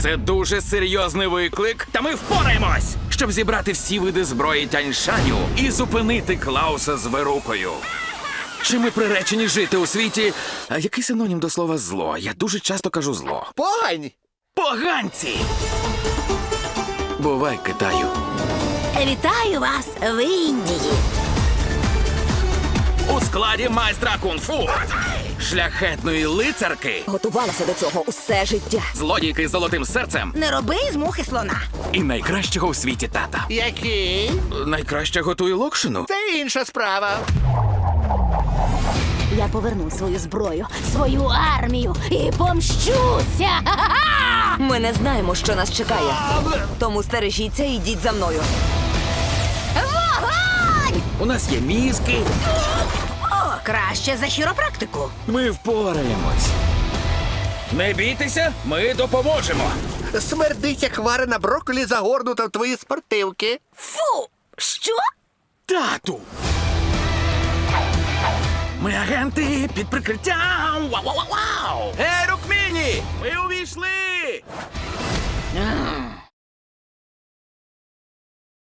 Це дуже серйозний виклик, та ми впораємось, щоб зібрати всі види зброї Тяньшаню і зупинити Клауса з Верукою. Чи ми приречені жити у світі? А який синонім до слова зло? Я дуже часто кажу зло. Погань! Поганці! Бувай, Китаю. Вітаю вас в Індії. У складі майстра кунг-фу, шляхетної лицарки, Готувалася до цього усе життя. злодійки з золотим серцем Не роби з мухи слона. і найкращого у світі тата. Який? Найкраще готує локшину. Це інша справа. Я поверну свою зброю, свою армію і помщуся. Ми не знаємо, що нас чекає. Тому стережіться і йдіть за мною. Вогонь! У нас є мізки. О, краще за хіропрактику. Ми впораємось. Не бійтеся, ми допоможемо. Смердить, як варена брокколі загорнута в твої спортивки. Фу! Що? Тату! Ми агенти під прикриттям. Вау-вау-вау! Ей, Рукміні! Ми у